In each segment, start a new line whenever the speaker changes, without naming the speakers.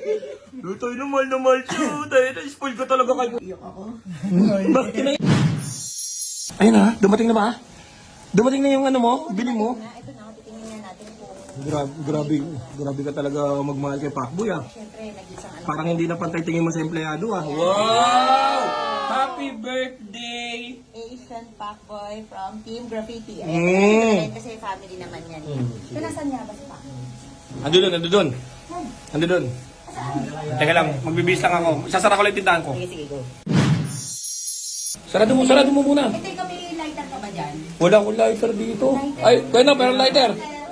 Lutoy na mahal siya. Dahil na-spoil ko talaga kayo. Iyak ako. Bakit na yun? Ayun na, dumating na ba? Dumating na yung ano mo, bili mo?
Ito na, titingnan na natin kung...
Grabe ka talaga magmahal kay Pacboy ah.
Siyempre, nag-isang ano.
Parang hindi na pantay tingin mo sa empleyado ah. Wow! Happy birthday!
Asian Pacboy from Team Graffiti.
Mm.
Kasi family naman yan. So, nasaan nga ba si Pacboy?
Ando doon. Teka lang, magbibis lang ako. Sasara ko lang yung tindahan ko.
Sige, go.
Sarado mo muna.
Ito yung may lighter ka ba dyan?
Wala akong lighter dito. Ay, kaya na, pero lighter.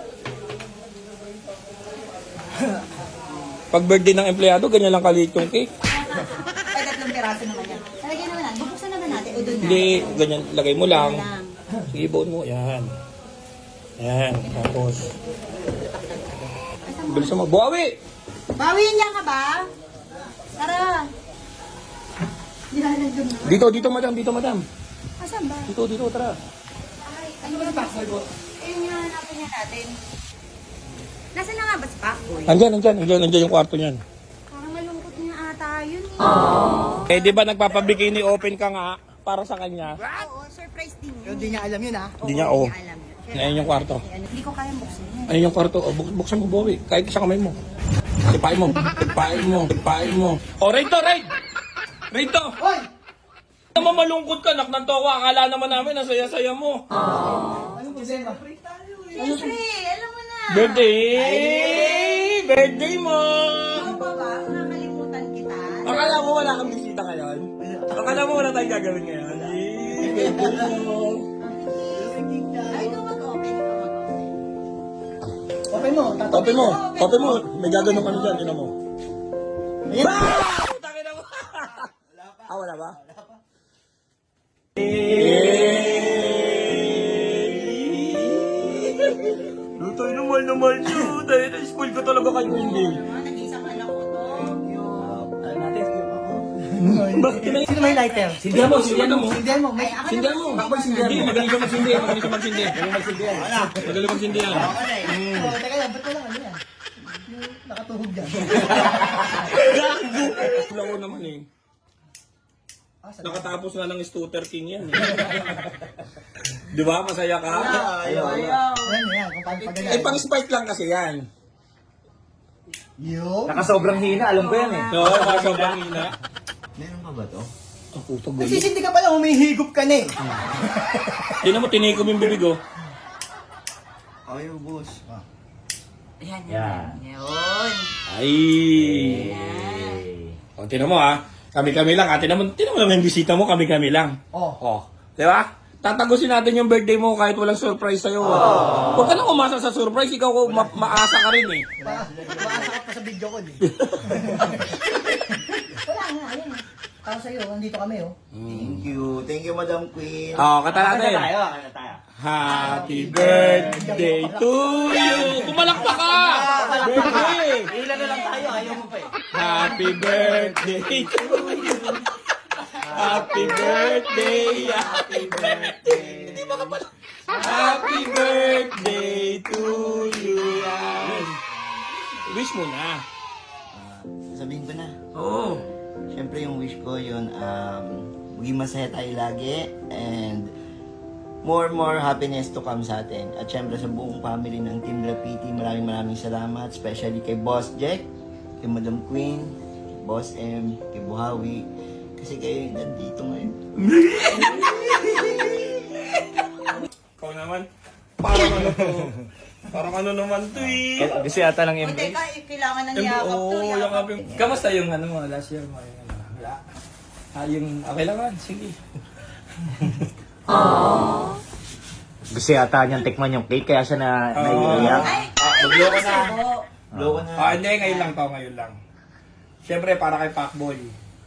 Pag birthday ng empleyado, ganyan lang kaliit yung cake.
Ay, 3 piraso naman yan. Talagyan naman natin. Bubuksan naman natin. O doon na.
Hindi, ganyan, lagay mo lang.
Lang.
Sige, buon mo. Yan. Tapos. Bilisan mo. Buhawi!
Bawiin niya ka ba? Tara. Yan, nandun na.
Dito, madam.
Asan ba?
Dito, tara.
Ay, ano ba yung Pacboy po? Ayun yung hanapin niya natin. Nasaan na nga ba si Pacboy?
Andyan yung kwarto niyan.
Parang malungkot niya ata yun eh.
Eh, di ba nagpapabikini open ka nga para sa kanya?
Oo, surprise din yun.
Hindi niya alam yun, ha?
Hindi niya, oh.
Hindi alam yun.
Ayun yung kwarto.
Hindi ko kayang buksan yun.
Ayun yung kwarto. Oh, buksan mo, Bowie. Kahit sa kamay mo. Ipain mo. Oh, raid to!
Hoy!
Naman malungkot ka, nak ng towa. Akala naman namin, ang saya-saya mo.
Anong problema?
Siyempre, alam mo na.
Birthday mo!
Ikaw pa ba? Nakakalimutan kita.
Akala mo wala kang bisita ngayon? Akala mo wala tayong gagawin ngayon? Birthday mo!
Ay, ikaw mag-open.
Open mo.
Open mo. May gaganong ano dyan, tinan mo.
Ayan.
Tangina mo! Wala ba? Lutoy na mahal siya. Dahil na-spoil ko talaga kayo hindi.
Nag-isang anak ko to.
Bakit na
Sino may lighter?
Sindihan mo.
Sindihan mo. May...
Sindihan mo. Hindi, magaling siya magsindi. Magaling magsindi yan.
Oh, teka lang, ba't wala ano yan? Yung nakatuhog dyan.
Wala ko naman eh. Nakatapos nga ng Stutter King yan eh. Di ba? Masaya ka?
Ayan, kung paano pag
Eh, pang-spike lang kasi yan.
Yo.
Nakasobrang hina, alam ko yan eh.
Oo, no, sobrang hina.
Meron pa ba to?
Ang puto gulo.
Nagsisindi ka pala, humihigop ka na eh.
Tinan mo, tinikom yung bibig oh.
Ayaw, boss.
Yan.
Yan.
Yun.
Ay! O, tinan mo ha. Kami-kami lang ha. Tinan mo naman yung bisita mo, kami-kami lang.
Oh.
Di ba? Tatagusin natin yung birthday mo kahit walang surprise sa'yo. Huwag ka nang umasa sa surprise, ikaw maasa ka rin eh.
Maasa ka pa sa video ko eh. Wala nga, ayun. Para sa'yo, nandito kami oh.
Thank you, Madam Queen.
Kata natin.
Kanta tayo.
Happy birthday to you! Pumalakpak ka! Birthday!
Ilan na lang tayo, ayaw mo pa eh.
Happy birthday to you! Happy birthday! Happy birthday! Hindi ba ka pala? Happy birthday to you! Yan. Wish mo na.
Sabihin ko na.
Oo.
Siyempre yung wish ko yun, maging masaya tayo lagi and more happiness to come sa atin. At syempre sa buong family ng Team Graffiti, maraming salamat. Especially kay Boss Jack, kay Madam Queen, Boss M, kay Buhawi. Kasi kayo yung nandito ngayon.
Ikaw naman. Parang ano to? Parang ano naman to eh.
Kasi yata lang
O, teka, kailangan ng yakap to.
Oo,
Yakap
yakap
to.
yung... Kamusta yung ano mo, last year mo? Yung, ano, wala. Yung, okay lang man, sige.
Gusto yata niyang tikman yung cake, kaya siya naiiyak.
Ay,
Magloko na.
Blow na.
Hindi, ngayon lang to, ngayon lang. Siyempre, para kay Pacboy.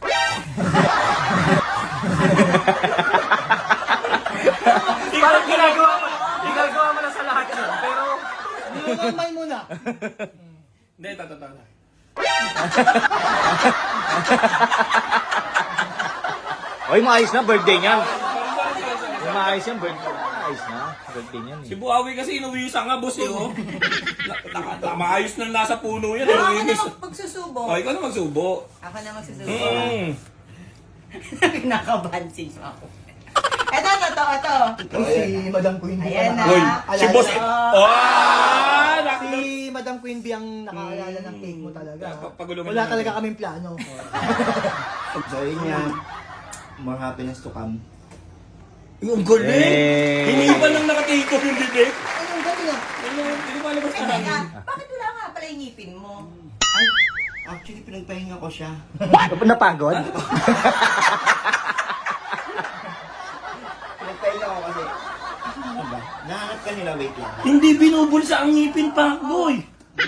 Parang ginagawa mo na sa lahat yun, pero...
Kamay muna.
Hindi, totoo na.
Oy, maayos na birthday niyan. Maayos yan, birthday. Maayos na. Birthday niyan
Si Buhawi kasi inuwi sa nga, boss eh, oh. Maayos na nasa puno yan.
Baka
Inuwi
na
sa...
magsusubo magsusubo.
Oh, ikaw na magsubo.
Ako na magsusubo.
Mm.
Kinakabansing ako. Ito.
Ito si Madam Queen Bee.
Ayan na.
Uy, si
Alala
boss.
na.
Oh!
Si Madam Queen Bee ang nakaalala ng cake mo talaga.
Pagulungan
Wala
natin.
talaga kaming plano.
So yun nga, more happiness to come.
Yung galing! Hindi pa lang nakatake off yung bibig.
Ano, gabi nga.
Hindi pa labas
Ay,
na.
teka, bakit wala nga pala yung ngipin mo?
Ay, actually pinagpahinga ko siya.
Napagod?
Pinagpahinga ko kasi, ano ba? Nahanap ka nila, wait lang.
Hindi binubulsa ang ngipin pa, boy.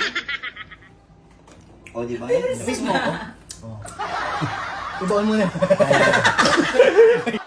O, di ba? Miss mo ako?
Ibaon mo na.